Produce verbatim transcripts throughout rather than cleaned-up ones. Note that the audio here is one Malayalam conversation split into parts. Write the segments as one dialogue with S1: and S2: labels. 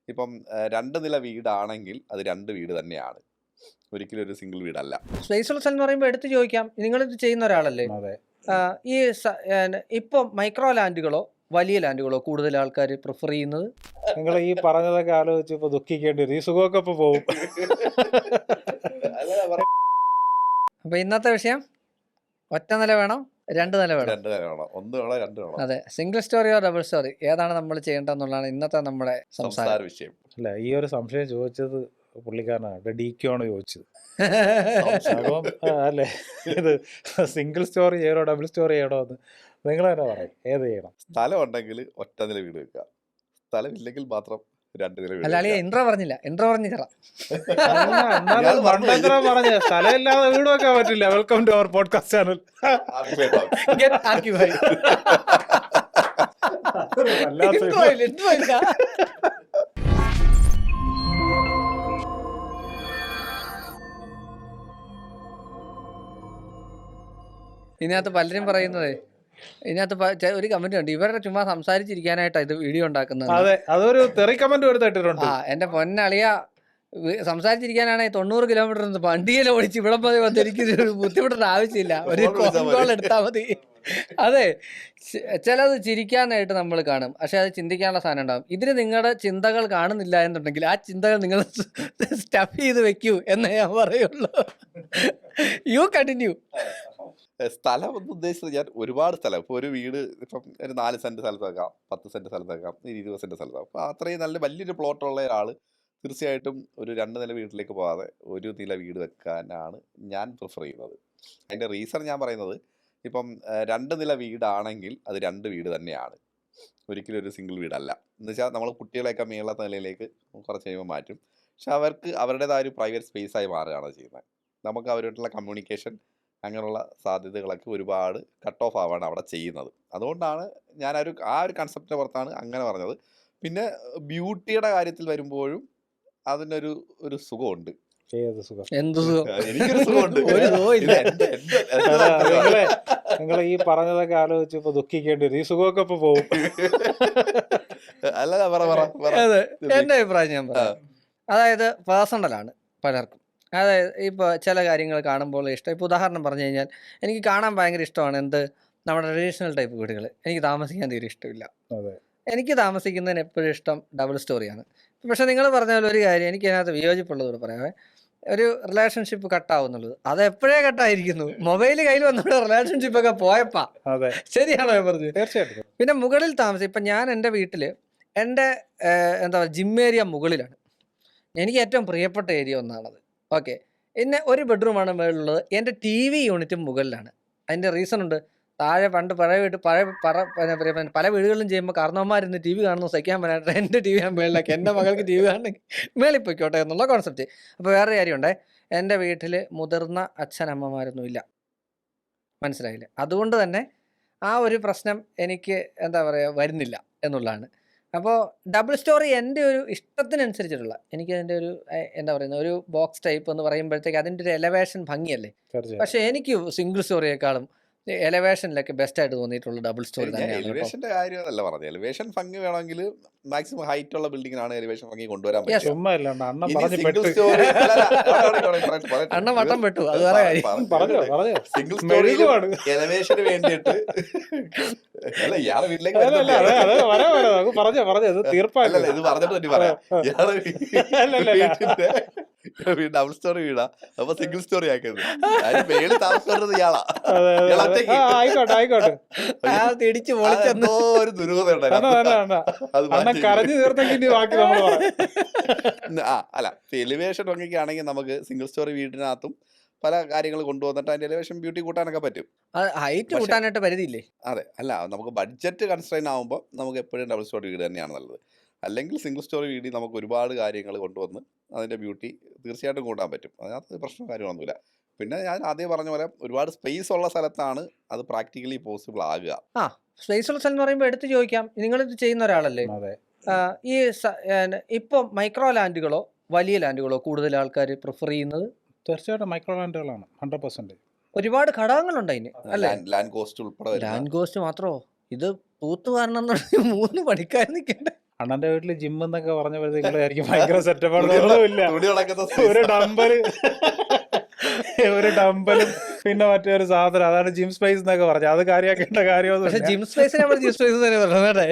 S1: ഇപ്പം ഏഹ്, രണ്ട് നില വീടാണെങ്കിൽ അത് രണ്ട് വീട് തന്നെയാണ്. ഒരിക്കലും ഒരു സിംഗിൾ വീടല്ല.
S2: സ്പേസ് ഉള്ള സ്ഥലം എന്ന് പറയുമ്പോൾ എടുത്ത് ചോദിക്കാം, നിങ്ങളിത് ചെയ്യുന്ന ഒരാളല്ലേ?
S3: അതെ.
S2: ആ, ഈ സ- ഏഹ് ഇപ്പം മൈക്രോ ലാൻഡുകളോ വലിയ ലാൻഡുകളോ കൂടുതൽ ആൾക്കാർ പ്രിഫർ ചെയ്യുന്നത്?
S3: നിങ്ങൾ ഈ പറഞ്ഞതൊക്കെ ആലോചിച്ച് ഇപ്പൊ ദുഃഖിക്കേണ്ടി വരും. ഈ സുഖമൊക്കെ ഇപ്പൊ പോവും.
S1: അല്ല പറ-
S2: അപ്പൊ ഇന്നത്തെ വിഷയം ഒറ്റ നില വേണോ രണ്ട് നില വേണോ?
S1: രണ്ട് നില വേണം, ഒന്ന് വേണം, രണ്ട് വേണം.
S2: അതെ, സിംഗിൾ സ്റ്റോറിയോ ഡബിൾ സ്റ്റോറി ഏതാണ് നമ്മൾ ചെയ്യേണ്ടതെന്നുള്ളതാണ് ഇന്നത്തെ നമ്മുടെ സംസാരം.
S1: സംസാര വിഷയം.
S3: അല്ല, ഈ ഒരു സംശയം ചോദിച്ചത് പുള്ളിക്കാരനാണ്, ഡിക്കാണ് ചോദിച്ചത്.
S1: സംശയം.
S3: അപ്പം ആ, അല്ലേ, ഇത് സിംഗിൾ സ്റ്റോറി ചെയ്യണോ ഡബിൾ സ്റ്റോറി ചെയ്യണോ എന്ന് നിങ്ങൾ തന്നെ പറയും, ഏത് ചെയ്യണം?
S1: സ്ഥലം ഉണ്ടെങ്കിൽ ഒറ്റ നില വീട് വെക്കുക, സ്ഥലം ഇല്ലെങ്കിൽ മാത്രം രണ്ട് നില വീട്
S2: അല്ല അളിയ
S1: വെക്കുക.
S2: ഇൻട്രോ പറഞ്ഞില്ല, ഇൻട്രോ പറഞ്ഞു തരാം.
S3: എന്നാലും മണ്ടത്തരം പറഞ്ഞ സ്ഥലമില്ലാതെ വീട് വെക്കാൻ പറ്റില്ല. Welcome to our podcast channel.
S1: ആർക്കും വേണ്ട.
S2: Get occupied. Intro ഇല്ല, intro ഇല്ല. ഇതിനകത്ത് പലരും പറയുന്നത്, ഇതിനകത്ത് പ- ചെ- ഒരു കമന്റ് ഉണ്ട്, ഇവരുടെ ചുമ്മാ സംസാരിച്ചിരിക്കാനായിട്ടാണ് ഇത് വീഡിയോ ഉണ്ടാക്കുന്നത്.
S3: അതെ, അതൊരു തെറി കമന്റ് എടുത്തിട്ടുണ്ട്.
S2: ആ, എന്റെ പൊന്നളിയ സംസാരിച്ചിരിക്കാനാണെങ്കിൽ തൊണ്ണൂറ് കിലോമീറ്റർ വണ്ടിയിൽ ഓടിച്ച് ഇവിടെ പോയി വന്ന് എനിക്ക് ഒരു ബുദ്ധിമുട്ടേണ്ട ആവശ്യമില്ല, ഒരു
S1: Phone വിളിച്ചാ
S2: കോൾ
S1: മതി.
S2: എടുത്താൽ മതി. അതെ, ചി- ചിലത് ചിരിക്കാനായിട്ട് നമ്മൾ കാണും, പക്ഷെ അത് ചിന്തിക്കാനുള്ള സാധനം ഉണ്ടാവും. ഇതിന് നിങ്ങളുടെ ചിന്തകൾ കാണുന്നില്ല എന്നുണ്ടെങ്കിൽ ആ ചിന്തകൾ നിങ്ങൾ സ്റ്റഫ് ചെയ്ത് വെക്കൂ എന്നേ ഞാൻ പറയുള്ളൂ. You continue.
S1: ഏഹ്, സ്ഥലം എന്ന് ഉദ്ദേശിച്ചത് ഞാൻ ഒരുപാട് സ്ഥലം, ഇപ്പോൾ ഒരു വീട് ഇപ്പം ഒരു നാല് സെന്റ് സ്ഥലത്ത് വെക്കാം, പത്ത് സെന്റ് സ്ഥലത്ത് വെക്കാം, ഒരു ഇരുപത് സെന്റ് സ്ഥലത്ത്. അപ്പോൾ അത്രയും നല്ല വലിയൊരു പ്ലോട്ടുള്ള ഒരാൾ തീർച്ചയായിട്ടും ഒരു രണ്ട് നില വീട്ടിലേക്ക് പോകാതെ ഒരു നില വീട് വെക്കാനാണ് ഞാൻ പ്രിഫർ ചെയ്യുന്നത്. അതിൻ്റെ റീസൺ ഞാൻ പറയുന്നത്, ഇപ്പം ഏഹ്, രണ്ട് നില വീടാണെങ്കിൽ അത് രണ്ട് വീട് തന്നെയാണ്, ഒരിക്കലും ഒരു സിംഗിൾ വീടല്ല. എന്ന് വെച്ചാൽ നമ്മൾ കുട്ടികളെയൊക്കെ മേളത്തെ നിലയിലേക്ക് കുറച്ച് കഴിയുമ്പോൾ മാറ്റും, പക്ഷെ അവർക്ക് അവരുടേതായ ഒരു പ്രൈവറ്റ് സ്പേസായി മാറുകയാണ് ചെയ്യുന്നത്. നമുക്ക് അവരുമായിട്ടുള്ള കമ്മ്യൂണിക്കേഷൻ അങ്ങനെയുള്ള സാധ്യതകളൊക്കെ ഒരുപാട് കട്ട് ഓഫ് ആവാണ് അവിടെ ചെയ്യുന്നത്. അതുകൊണ്ടാണ് ഞാൻ ഒരു ആ ഒരു കൺസെപ്റ്റിൻ്റെ പുറത്താണ് അങ്ങനെ പറഞ്ഞത്. പിന്നെ ബ്യൂട്ടിയുടെ കാര്യത്തിൽ വരുമ്പോഴും അതിനൊരു ഒരു സുഖമുണ്ട്.
S3: ഏത് സുഖം?
S2: എന്ത് സുഖം?
S1: എനിക്കൊരു സുഖമുണ്ട്.
S2: ഒരു സുഖവും
S1: ഇത്
S2: ഇല്ല.
S1: എൻ്റെ എൻ്റെ എൻ്റെ
S3: അല്ല,
S1: താല്പര്യമാണ്.
S3: നിങ്ങളെ നിങ്ങൾ ഈ പറഞ്ഞതൊക്കെ ആലോചിച്ച് ഇപ്പൊ ദുഃഖിക്കേണ്ടി വരും. ഈ സുഖമൊക്കെ ഇപ്പൊ പോവും.
S1: അല്ല പറ പറ പറ.
S2: അതെ, എൻ്റെ അഭിപ്രായം ഞാൻ
S1: ആ,
S2: പറയാം. അതായത് പേഴ്സണലാണ് പലർക്കും. അതായത് ഇപ്പോൾ ചില കാര്യങ്ങൾ കാണുമ്പോൾ ഇഷ്ടം. ഇപ്പോൾ ഉദാഹരണം പറഞ്ഞു കഴിഞ്ഞാൽ, എനിക്ക് കാണാൻ ഭയങ്കര ഇഷ്ടമാണ് എന്ത്, നമ്മുടെ ട്രഡീഷണൽ ടൈപ്പ് വീടുകൾ. എനിക്ക് താമസിക്കാൻ തീരെ ഇഷ്ടമില്ല.
S3: അതെ.
S2: എനിക്ക് താമസിക്കുന്നതിന് എപ്പോഴും ഇഷ്ടം ഡബിൾ സ്റ്റോറിയാണ്. പക്ഷേ നിങ്ങൾ പറഞ്ഞ പോലെ ഒരു കാര്യം എനിക്ക് അതിനകത്ത് വിയോജിപ്പുള്ളതോട് പറയാമേ, ഒരു റിലേഷൻഷിപ്പ് കട്ടാവുന്നുള്ളത് അത് എപ്പോഴേ കട്ടായിരിക്കുന്നു. മൊബൈൽ കയ്യിൽ വന്നോണ്ട് റിലേഷൻഷിപ്പൊക്കെ പോയപ്പാ.
S3: അതെ,
S2: ശരിയാണോ ഞാൻ പറഞ്ഞത്?
S3: തീർച്ചയായിട്ടും.
S2: പിന്നെ മുകളിൽ താമസം, ഇപ്പം ഞാൻ എൻ്റെ വീട്ടിൽ എൻ്റെ ഏഹ്, എന്താ പറയുക, ജിം ഏരിയ മുകളിലാണ്. എനിക്ക് ഏറ്റവും പ്രിയപ്പെട്ട ഏരിയ ഒന്നാണത്. ഓക്കെ, പിന്നെ ഒരു ബെഡ്റൂമാണ് മുകളിലുള്ളത്. എൻ്റെ ടി വി യൂണിറ്റും മുകളിലാണ്. അതിൻ്റെ റീസൺ ഉണ്ട്. താഴെ പണ്ട് പഴയ വീട്ട് പഴയ പറ പിന്നെ പിന്നെ പിന്നെ പല വീടുകളിലും ചെയ്യുമ്പോൾ കാരണവന്മാരിന്ന് ടി വി കാണുന്നു സഹിക്കാൻ പറ്റാത്ത എൻ്റെ ടി വി ഞാൻ മേളിലാക്കി, എൻ്റെ മകൾക്ക് ടി വി കാണണമെങ്കിൽ മേളിൽ പൊയ്ക്കോട്ടെ എന്നുള്ള കോൺസെപ്റ്റ്. അപ്പോൾ വേറെ കാര്യമുണ്ടേ, എൻ്റെ വീട്ടിൽ മുതിർന്ന അച്ഛനമ്മമാരൊന്നും ഇല്ല, മനസ്സിലായില്ലേ? അതുകൊണ്ട് തന്നെ ആ ഒരു പ്രശ്നം എനിക്ക് എന്താ പറയുക വരുന്നില്ല എന്നുള്ളതാണ്. അപ്പോൾ ഡബിൾ സ്റ്റോറി എൻ്റെ ഒരു ഇഷ്ടത്തിനനുസരിച്ചിട്ടുള്ള, എനിക്ക് അതിൻ്റെ ഒരു ഏഹ്, എന്താ പറയുന്നത്, ഒരു ബോക്സ് ടൈപ്പ് എന്ന് പറയുമ്പോഴത്തേക്ക് അതിൻ്റെ ഒരു എലവേഷൻ ഭംഗിയല്ലേ.
S3: തീർച്ചയായിട്ടും.
S2: പക്ഷേ എനിക്ക് സിംഗിൾ സ്റ്റോറിയേക്കാളും എലവേഷനിലൊക്കെ ബെസ്റ്റ് ആയിട്ട് തോന്നിയിട്ടുള്ള ഡബിൾ സ്റ്റോറി
S1: ഞാൻ
S2: തന്നെയാണ് കേട്ടോ.
S1: എലിവേഷന്റെ കാര്യമല്ല പറഞ്ഞത്. എലിവേഷൻ ഭംഗി വേണമെങ്കിൽ മാക്സിമം ഹൈറ്റ് ഉള്ള ബിൽഡിങ്ങിനാണ് എലിവേഷൻ ഭംഗി കൊണ്ടുവരാൻ
S2: Yes.
S1: പറ്റുക.
S3: ചുമ്മാ ഇല്ലാണ്ട് അണ്ണൻ
S1: ഇനി
S3: പറഞ്ഞു
S1: സിംഗിൾ
S3: പെട്ട്.
S1: സ്റ്റോറി
S2: അണ്ണൻ വട്ടം പെട്ടു, അത് വേറെ കാര്യം.
S3: പറഞ്ഞോ പറഞ്ഞോ.
S1: സിംഗിൾ സ്റ്റോറിയിൽ
S3: മെഴുകുവാണ്.
S1: എലവേഷന് വേണ്ടിയിട്ട് അല്ല ഇയാളെ വീട്ടിലേക്ക്
S3: അല്ല അല്ല അതെ അതെ വരാ വരാ നമുക്ക് പറഞ്ഞോ പറഞ്ഞോ ഇത്
S1: അല്ലല്ല
S3: തീർപ്പായില്ല.
S1: ഇത് പറഞ്ഞിട്ട് പറ്റി പറയാം. ഇയാളെ
S3: അല്ലല്ല.
S1: വീട്ടിന്റെ ഡബിൾ സ്റ്റോറി വീടാ, അപ്പൊ സിംഗിൾ സ്റ്റോറി ആക്കുന്നത്. അതിന് മേളിൽ താമസിക്കുന്നത് ഇയാളാ.
S3: അതെ അതെ
S1: ഇയാൾ
S3: അതെ.
S1: ഒറ്റയ്ക്ക്.
S3: ആ, ആയിക്കോട്ടെ ആയിക്കോട്ടെ.
S2: അയാൾ തിടിച്ച് പൊളിച്ചെന്ന്.
S1: അതെന്തോ ഒരു ദുരൂഹത
S3: അണ്ണ അണ്ണ
S1: ഉണ്ടായിരുന്നു.
S3: അണ്ണ
S1: അത്
S3: അണ്ണൻ
S1: മാറ്റി.
S3: കരഞ്ഞു തീർത്തെങ്കിൽ ഇനി ബാക്കി നമ്മൾ പറയാം.
S1: ആ അല്ല എലിവേഷൻ ഭംഗിക്ക് ആണെങ്കിൽ നമുക്ക് സിംഗിൾ സ്റ്റോറി വീടിനകത്തും പല കാര്യങ്ങൾ കൊണ്ടുവന്നിട്ട് അതിന്റെ എലിവേഷൻ ബ്യൂട്ടി കൂട്ടാനൊക്കെ പറ്റും.
S2: ഹൈറ്റ്
S1: പക്ഷേ
S2: കൂട്ടാനായിട്ട് പരിധിയില്ലേ?
S1: അതെ, അല്ല നമുക്ക് ബഡ്ജറ്റ് കൺസ്ട്രെയിൻ ആകുമ്പോൾ നമുക്ക് എപ്പോഴും ഡബിൾ സ്റ്റോറി വീട് തന്നെയാണ് നല്ലത്. അല്ലെങ്കിൽ സിംഗിൾ സ്റ്റോറി വീടിൽ നമുക്ക് ഒരുപാട് കാര്യങ്ങൾ കൊണ്ടുവന്ന് അതിൻ്റെ ബ്യൂട്ടി തീർച്ചയായിട്ടും കൂട്ടാൻ പറ്റും. അതിനകത്ത് പ്രശ്നം കാര്യമൊന്നുമില്ല. പിന്നെ ഞാൻ ആദ്യം പറഞ്ഞ പോലെ ഒരുപാട് സ്പേസ് ഉള്ള സ്ഥലത്താണ് അത് പ്രാക്ടിക്കലി പോസിബിൾ ആകുക.
S2: ആ, സ്പേസ് ഉള്ള സ്ഥലം എന്ന് പറയുമ്പോൾ എടുത്ത് ചോദിക്കാം, നിങ്ങളിത് ചെയ്യുന്ന ഒരാളല്ലേ?
S3: അതെ.
S2: ആ, ഈ സ- ഏഹ്, ഇപ്പം മൈക്രോ ലാൻഡുകളോ വലിയ ലാൻഡുകളോ കൂടുതൽ ആൾക്കാർ പ്രിഫർ ചെയ്യുന്നത്?
S3: തീർച്ചയായിട്ടും മൈക്രോ ലാൻഡുകളാണ് ഹൺഡ്രഡ് പെർസെന്റ്.
S2: ഒരുപാട് ഘടകങ്ങളുണ്ട് അതിന്, അല്ലേ?
S1: ലാൻഡ് ലാൻഡ് കോസ്റ്റ് ഉൾപ്പെടെ വരുന്ന
S2: ലാൻഡ് കോസ്റ്റ് മാത്രമോ? ഇത് തൂത്ത് കാരണം മൂന്ന് പണിക്കാർ നിൽക്കണ്ടേ?
S3: അണ്ണന്റെ വീട്ടിൽ ജിം എന്നൊക്കെ പറഞ്ഞപ്പോഴത്തേക്ക് നിങ്ങളായിരിക്കും ഭയങ്കര സെറ്റപ്പാണെന്ന് ഇല്ല.
S1: തുണി ഉണക്കുന്ന
S3: ഒരു
S1: space.
S3: ഡമ്പല് ഒരു ഡമ്പലും പിന്നെ മറ്റേ ഒരു സാധനം, അതാണ് ജിം സ്പേസ് എന്നൊക്കെ പറഞ്ഞത്. അത് കാര്യമാക്കേണ്ട
S2: പക്ഷെ
S3: കാര്യമൊന്നുമില്ല.
S2: ജിം സ്പേസിനെ നമ്മൾ ജിം സ്പേസ് തന്നെ പറഞ്ഞേ.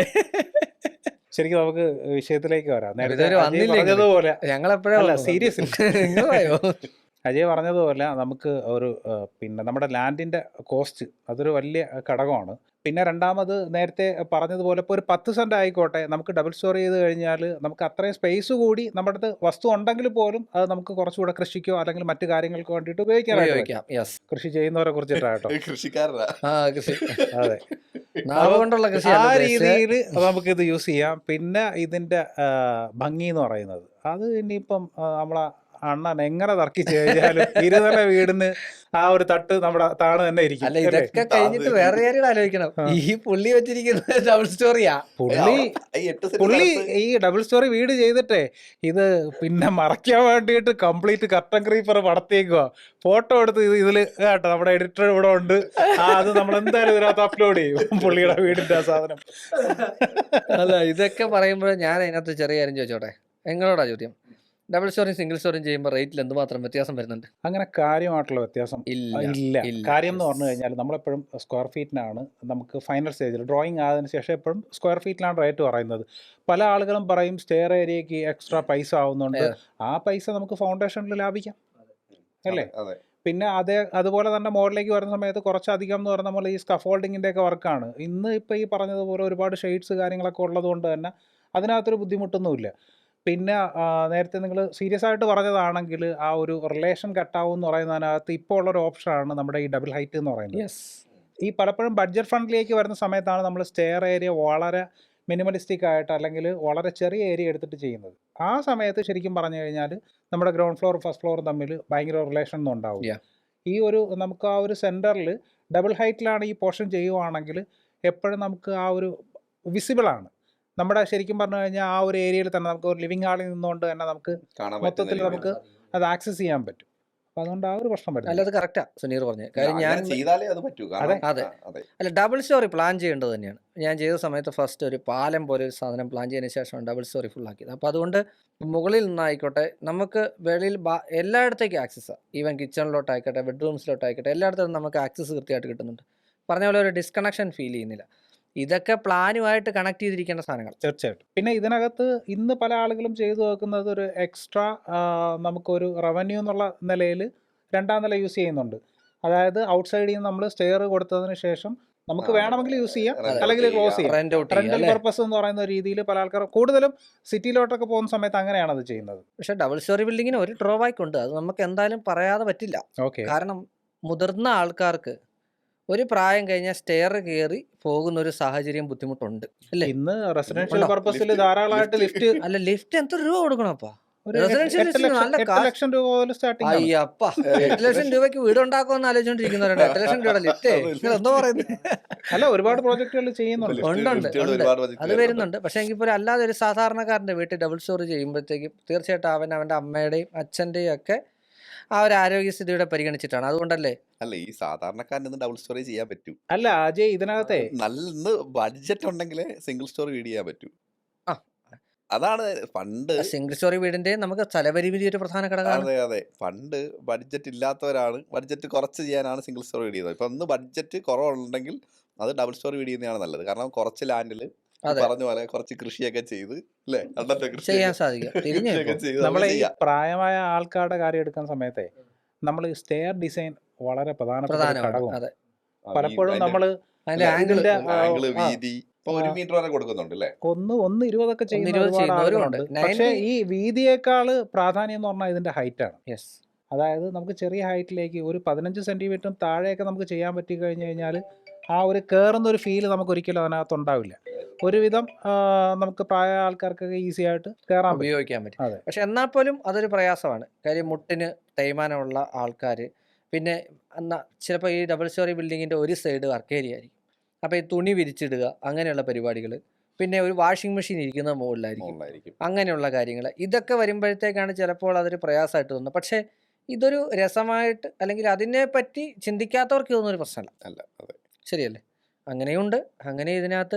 S3: ശരിക്കും നമുക്ക് വിഷയത്തിലേക്ക് വരാം. നേരത്തെ
S2: ഇതുവരെ
S3: അജയ്
S2: വന്നില്ലെങ്കിൽ
S3: പറഞ്ഞതുപോലെ
S2: ഞങ്ങളെപ്പോഴാ
S3: അല്ല സീരിയസ്
S2: നിങ്ങൾ പറയോ?
S3: അജയ് പറഞ്ഞതുപോലെ നമുക്ക് ഒരു ആ, പിന്നെ നമ്മുടെ ലാൻഡിൻ്റെ കോസ്റ്റ് അതൊരു വലിയ ഘടകമാണ്. പിന്നെ രണ്ടാമത് നേരത്തെ പറഞ്ഞതുപോലെ ഇപ്പോൾ ഒരു പത്ത് സെൻറ്റ് ആയിക്കോട്ടെ, നമുക്ക് ഡബിൾ സ്റ്റോർ ചെയ്ത് കഴിഞ്ഞാൽ നമുക്ക് അത്രയും സ്പേസ് കൂടി നമ്മുടെ അടുത്ത് വസ്തു ഉണ്ടെങ്കിൽ പോലും അത് നമുക്ക് കുറച്ചുകൂടെ കൃഷിക്കോ അല്ലെങ്കിൽ മറ്റു കാര്യങ്ങൾക്ക് വേണ്ടിയിട്ട് ഉപയോഗിക്കാനായിട്ട് പറ്റും.
S2: ഉപയോഗിക്കാം. യെസ്.
S3: കൃഷി ചെയ്യുന്നവരെ കുറിച്ചിട്ടാട്ടോ.
S1: കൃഷിക്കാരനാ.
S2: ആ കൃഷി
S3: അതെ,
S2: നാവ് കൊണ്ടുള്ള
S3: ആ
S2: കൃഷിയാണ് ഉദ്ദേശിച്ചത്.
S3: രീതിയിൽ നമുക്കിത് യൂസ് ചെയ്യാം. പിന്നെ ഇതിൻ്റെ ഭംഗി എന്ന് പറയുന്നത് അത് ഇനിയിപ്പം ആ, നമ്മളെ അണ്ണൻ എങ്ങനെ തർക്കിച്ച് കഴിഞ്ഞാലും ഇരുനില വീടിന് ആ ഒരു തട്ട് നമ്മുടെ താണ് തന്നെ ഇരിക്കും
S2: അല്ല
S3: അല്ലേ?
S2: ഇതൊക്കെ കഴിഞ്ഞിട്ട് വേറെ കാര്യം ആലോചിക്കണം.
S3: ആ.
S2: ഈ പുള്ളി വെച്ചിരിക്കുന്നത് ഡബിൾ സ്റ്റോറിയാ.
S3: പുള്ളി
S1: ഈ എട്ട് സെന്റ്
S3: പുള്ളി
S1: സ്ഥലത്ത്
S3: ഈ ഡബിൾ സ്റ്റോറി വീട് ചെയ്തിട്ടേ ഇത് പിന്നെ മറയ്ക്കാൻ വേണ്ടിയിട്ട് കംപ്ലീറ്റ് കർട്ടൻ ക്രീപ്പർ പടത്തേക്കുക. ഫോട്ടോ എടുത്ത് ഇത് ഇതില് കേട്ടോ നമ്മുടെ എഡിറ്റർ ഇവിടെ ഉണ്ട്. ആ അത് നമ്മൾ എന്തായാലും ഇതിനകത്ത് അപ്ലോഡ് ചെയ്യും പുള്ളിയുടെ വീടിന്റെ ആ സാധനം.
S2: അല്ല ഇതൊക്കെ പറയുമ്പോൾ ഞാൻ അതിനകത്ത് ചെറിയ കാര്യം ചോദിച്ചോട്ടെ, നിങ്ങളോടാ ചോദ്യം. ഡബിൾ സ്റ്റോറിയും സിംഗിൾ സ്റ്റോറിയും ചെയ്യുമ്പോൾ റേറ്റിൽ എന്തുമാത്രം വ്യത്യാസം വരുന്നുണ്ട്?
S3: അങ്ങനെ കാര്യമായിട്ടുള്ള വ്യത്യാസം
S2: ഇല്ല.
S3: ഇല്ല.
S2: ഇല്ല.
S3: കാര്യം എന്ന്
S2: Yes.
S3: പറഞ്ഞു കഴിഞ്ഞാൽ നമ്മളെപ്പോഴും സ്ക്വയർ ഫീറ്റിനാണ് നമുക്ക് ഫൈനൽ സ്റ്റേജിൽ ഡ്രോയിങ് ആയതിനു ശേഷം എപ്പോഴും സ്ക്വയർ ഫീറ്റിലാണ് റേറ്റ് പറയുന്നത്. പല ആളുകളും പറയും സ്റ്റെയർ ഏരിയക്ക് എക്സ്ട്രാ പൈസ ആവുന്നുണ്ട്.
S2: Yeah.
S3: ആ പൈസ നമുക്ക് ഫൗണ്ടേഷനിൽ ലാഭിക്കാം അല്ലേ?
S1: അതെ
S3: പിന്നെ അതേ അതുപോലെ തന്നെ മോഡലിലേക്ക് വരുന്ന സമയത്ത് കുറച്ചധികം എന്ന് പറഞ്ഞാൽ നമ്മൾ ഈ സ്കഫോൾഡിങ്ങിൻ്റെ ഒക്കെ വർക്കാണ്. ഇന്ന് ഇപ്പോൾ ഈ പറഞ്ഞതുപോലെ ഒരുപാട് ഷെയ്ഡ്സ് കാര്യങ്ങളൊക്കെ ഉള്ളത് കൊണ്ട് തന്നെ അതിനകത്തൊരു ബുദ്ധിമുട്ടൊന്നുമില്ല. പിന്നെ ആ, നേരത്തെ നിങ്ങൾ സീരിയസ് ആയിട്ട് പറഞ്ഞതാണെങ്കിൽ ആ ഒരു റിലേഷൻ കട്ടാവും എന്ന് പറയുന്നതിനകത്ത് ഇപ്പോൾ ഉള്ളൊരു ഓപ്ഷനാണ് നമ്മുടെ ഈ ഡബിൾ ഹൈറ്റ് എന്ന് പറയുന്നത്.
S2: യെസ്.
S3: ഈ പലപ്പോഴും ബഡ്ജറ്റ് ഫ്രണ്ടിലേക്ക് വരുന്ന സമയത്താണ് നമ്മൾ സ്റ്റെയർ ഏരിയ വളരെ മിനിമലിസ്റ്റിക് ആയിട്ട് അല്ലെങ്കിൽ വളരെ ചെറിയ ഏരിയ എടുത്തിട്ട് ചെയ്യുന്നത്. ആ സമയത്ത് ശരിക്കും പറഞ്ഞു കഴിഞ്ഞാൽ നമ്മുടെ ഗ്രൗണ്ട് ഫ്ലോർ ഫസ്റ്റ് ഫ്ലോർ തമ്മിൽ ഭയങ്കര റിലേഷൻ ഒന്നും ഉണ്ടാവും.
S2: Yeah.
S3: ഈ ഒരു നമുക്ക് ആ ഒരു സെൻറ്ററിൽ ഡബിൾ ഹൈറ്റിലാണ് ഈ പോർഷൻ ചെയ്യുവാണെങ്കിൽ എപ്പോഴും നമുക്ക് ആ ഒരു വിസിബിളാണ്. നമ്മുടെ ശരിക്കും പറഞ്ഞു കഴിഞ്ഞാൽ ആ ഒരു ഏരിയയിൽ തന്നെ നമുക്ക് ഒരു ലിവിങ് ഹാളിൽ നിന്നുകൊണ്ട് തന്നെ നമുക്ക്
S1: കാണാൻ
S3: മൊത്തത്തിൽ
S1: പറ്റുന്ന
S3: നമുക്ക് അത് ആക്സസ് ചെയ്യാൻ പറ്റും. അപ്പോൾ അതുകൊണ്ട് ആ ഒരു പ്രശ്നം
S2: അല്ല
S3: വരുന്നില്ല.
S2: അത് കറക്റ്റാ സുനീർ പറഞ്ഞത്. കാര്യം
S1: അങ്ങനെ
S2: ഞാൻ
S1: ചെയ്താലേ അത് പറ്റൂ. കാരണം
S2: അതെ.
S1: ആ, അതെ
S2: അല്ല ഡബിൾ സ്റ്റോറി പ്ലാൻ ചെയ്യേണ്ടത് തന്നെയാണ്. ഞാൻ ചെയ്ത സമയത്ത് ഫസ്റ്റ് ഒരു പാലം പോലെ ഒരു സാധനം പ്ലാൻ ചെയ്തതിന് ശേഷമാണ് ഡബിൾ സ്റ്റോറി ഫുൾ ആക്കിയത്. അപ്പോൾ അതുകൊണ്ട് മുകളിൽ നിന്നായിക്കോട്ടെ നമുക്ക് വെളിയിൽ ബാ- എല്ലായിടത്തേക്കും ആക്സസ്സാണ്. ഈവൻ കിച്ചണിലോട്ടായിക്കോട്ടെ ബെഡ്റൂംസിലോട്ടായിക്കോട്ടെ എല്ലായിടത്തും നമുക്ക് ആക്സസ് കൃത്യമായിട്ട് കിട്ടുന്നുണ്ട്. പറഞ്ഞ പോലെ ഒരു ഡിസ്കണക്ഷൻ ഫീൽ ചെയ്യുന്നില്ല. ഇതൊക്കെ പ്ലാനുമായിട്ട് കണക്ട് ചെയ്തിരിക്കേണ്ട സാധനങ്ങൾ.
S3: തീർച്ചയായിട്ടും. പിന്നെ ഇതിനകത്ത് ഇന്ന് പല ആളുകളും ചെയ്തു വെക്കുന്നത് ഒരു എക്സ്ട്രാ നമുക്കൊരു റവന്യൂ എന്നുള്ള നിലയിൽ രണ്ടാം നില യൂസ് ചെയ്യുന്നുണ്ട്. അതായത് ഔട്ട്സൈഡിൽ നിന്ന് നമ്മൾ സ്റ്റെയർ കൊടുത്തതിന് ശേഷം നമുക്ക്
S1: ആ,
S3: വേണമെങ്കിൽ യൂസ് ചെയ്യാം
S1: rent
S3: അല്ലെങ്കിൽ
S1: out
S3: ക്ലോസ്
S1: ചെയ്യാം.
S3: ചെയ്യാം.
S2: റെന്റ് ഔട്ട് ചെയ്യുക
S3: റെന്റൽ
S2: അല്ലേ?
S3: പർപ്പസ് എന്ന് പറയുന്ന രീതിയിൽ പല ആൾക്കാർ കൂടുതലും സിറ്റിയിലോട്ടൊക്കെ പോകുന്ന സമയത്ത് അങ്ങനെയാണ് അത് ചെയ്യുന്നത്.
S2: പക്ഷെ ഡബിൾ സ്റ്റോറി ബിൽഡിങ്ങിന് ഒരു ഡ്രോബാക്ക് ഉണ്ട്. അത് നമുക്ക് എന്തായാലും പറയാതെ പറ്റില്ല.
S3: ഓക്കെ,
S2: കാരണം മുതിർന്ന ആൾക്കാർക്ക് ഒരു പ്രായം കഴിഞ്ഞാൽ സ്റ്റെയർ കയറി പോകുന്ന ഒരു സാഹചര്യം ബുദ്ധിമുട്ടുണ്ട് അല്ലേ?
S3: ഇന്ന് റെസിഡൻഷ്യൽ
S2: ഉണ്ടോ?
S3: പർപ്പസിൽ
S1: Lift-
S3: ധാരാളമായിട്ട്
S1: lift-
S3: ലിഫ്റ്റ്
S2: അല്ല ലിഫ്റ്റ് എത്ര രൂപ കൊടുക്കണപ്പാ?
S3: ഒരു എട്ട്
S2: residential
S3: എട്ട്
S2: list ന്
S3: ലക്ഷം
S2: നല്ല
S3: എട്ട്
S2: കാശ്.
S3: ലക്ഷം രൂപ മുതൽ സ്റ്റാർട്ടിംഗ് ആണ്.
S2: അയ്യപ്പ എട്ട് ലക്ഷം രൂപയ്ക്ക് വീട് ഉണ്ടാക്കുമെന്ന് ആലോചിച്ചോണ്ടിരിക്കുന്നവരുണ്ട്. എട്ട് ലക്ഷം രൂപയുടെ ലിഫ്റ്റേ നിങ്ങൾ എന്തോ പറയുന്നത്?
S3: അല്ല ഒരുപാട് പ്രോജക്റ്റുകൾ ചെയ്യുന്നുണ്ട്.
S1: lift-
S2: ഉണ്ട്, ഉണ്ട്,
S1: liftകൾ
S2: ഉണ്ട്.
S1: ഒരുപാട് project
S2: അത്
S1: വരുന്നുണ്ട്.
S2: വരുന്നുണ്ട്. പക്ഷെ എങ്കിൽ പോലും അല്ലാതെ ഒരു സാധാരണക്കാരന്റെ വീട്ടിൽ ഡബിൾ സ്റ്റോറി ചെയ്യുമ്പോഴത്തേക്കും തീർച്ചയായിട്ടും അവൻ അവന്റെ അമ്മയുടെയും അച്ഛന്റെയും ഒക്കെ ആ ഒരു ആരോഗ്യസ്ഥിതിയുടെ പരിഗണിച്ചിട്ടാണ്. അതുകൊണ്ടല്ലേ
S1: അല്ല ഈ സാധാരണക്കാരന് ഡബിൾ സ്റ്റോറി ചെയ്യാൻ പറ്റൂ.
S3: അല്ല അജയ് ഇതിനകത്തെ
S1: നല്ല ബഡ്ജറ്റ് ഉണ്ടെങ്കിലേ സിംഗിൾ സ്റ്റോറി വീട് ചെയ്യാൻ പറ്റൂ.
S2: ആ.
S1: അതാണ് പണ്ട്.
S2: സിംഗിൾ സ്റ്റോറി വീടിന്റെ നമുക്ക് സ്ഥലപരിമിതി ഒരു പ്രധാന ഘടകമാണ്.
S1: അതെ അതെ പണ്ട് ബഡ്ജറ്റ് ഇല്ലാത്തവരാണ് ബഡ്ജറ്റ് കുറച്ച് ചെയ്യാനാണ് സിംഗിൾ സ്റ്റോറി വീട് ചെയ്യുന്നത്. ഇപ്പൊ ഒന്ന് ബഡ്ജറ്റ് കുറവുണ്ടെങ്കിൽ അത് ഡബിൾ സ്റ്റോറി വീട് ചെയ്യുന്നതാണ് നല്ലത്. കാരണം കുറച്ച് ലാൻഡിൽ
S2: അതെ.
S1: പറഞ്ഞ പോലെ കുറച്ച് കൃഷിയൊക്കെ ചെയ്ത് അല്ലേ അന്നത്തെ
S2: ചെയ്യാൻ
S1: കൃഷിയൊക്കെ
S2: സാധിക്കും. തിരിഞ്ഞു
S1: കൃഷിയൊക്കെ
S2: ഇപ്പോ.
S1: ചെയ്ത് നമുക്ക്
S3: നമ്മളെ ഈ
S1: ചെയ്യാം.
S3: പ്രായമായ ആൾക്കാരുടെ കാര്യം എടുക്കുന്ന സമയത്തെ നമ്മൾ സ്റ്റെയർ ഡിസൈൻ വളരെ പ്രധാനപ്പെട്ട ഒരു
S2: പ്രധാനമാണ്.
S3: ഘടകമാണ്.
S2: അതെ.
S1: ആ,
S3: പലപ്പോഴും
S1: അതിന്റെ
S3: നമ്മൾ
S2: അതിന്റെ
S1: അല്ല,
S2: ആംഗിൾ
S3: ഇതിന്റെ ആ,
S1: ആംഗിള്
S3: ആ,
S1: വീതി ഇപ്പൊ ഒരു
S3: ആ.
S1: മീറ്റർ വരെ കൊടുക്കുന്നുണ്ട് അല്ലേ?
S3: ഒന്ന് ഒന്ന് ഇരുപതൊക്കെ ചെയ്യുന്ന
S2: ഇരുപത്
S3: ഒരുപാട്
S2: ചെയ്യുന്നവരും
S3: ആളുകളുണ്ട്.
S2: ഉണ്ട്.
S3: പക്ഷേ
S2: നയൻറ്റി
S3: ഈ വീതിയേക്കാൾ പ്രാധാന്യം എന്ന് പറഞ്ഞാൽ ഇതിന്റെ ഹൈറ്റ് ആണ്.
S2: യെസ്.
S3: അതായത് നമുക്ക് ചെറിയ ഹൈറ്റിലേക്ക് ഒരു പതിനഞ്ച് സെന്റിമീറ്ററും താഴെയൊക്കെ നമുക്ക് ചെയ്യാൻ പറ്റി കഴിഞ്ഞു കഴിഞ്ഞാൽ ആ ഒരു കയറുന്ന ഒരു ഫീല് നമുക്ക് ഒരിക്കലും അതിനകത്ത് ഉണ്ടാവില്ല. ഒരുവിധം ആ, നമുക്ക് പ്രായ ആൾക്കാർക്കൊക്കെ ഈസി ആയിട്ട് കയറാൻ പറ്റും.
S2: ഉപയോഗിക്കാൻ പറ്റും.
S3: അതെ.
S2: പക്ഷെ എന്നാൽ പോലും അതൊരു പ്രയാസമാണ്. കാര്യം മുട്ടിന് തേയ്മാനമുള്ള ആൾക്കാർ പിന്നെ എന്നാ ചിലപ്പോൾ ഈ ഡബിൾ സ്റ്റോറി ബിൽഡിങ്ങിൻ്റെ ഒരു സൈഡ് വർക്ക് ഏരിയ ആയിരിക്കും. അപ്പോൾ ഈ തുണി വിരിച്ചിടുക അങ്ങനെയുള്ള പരിപാടികൾ, പിന്നെ ഒരു വാഷിംഗ് മെഷീൻ ഇരിക്കുന്നത് മുകളിലായിരിക്കും,
S1: മുകളിലായിരിക്കും.
S2: അങ്ങനെയുള്ള കാര്യങ്ങൾ ഇതൊക്കെ വരുമ്പോഴത്തേക്കാണ് ചിലപ്പോൾ അതൊരു പ്രയാസമായിട്ട് തോന്നുന്നത്. പക്ഷേ ഇതൊരു രസമായിട്ട് അല്ലെങ്കിൽ അതിനെപ്പറ്റി ചിന്തിക്കാത്തവർക്ക് ഇതൊന്നും ഒരു പ്രശ്നമല്ല.
S1: അല്ല അതെ
S2: ശരിയല്ലേ? അങ്ങനെയുണ്ട്. അങ്ങനെ ഇതിനകത്ത്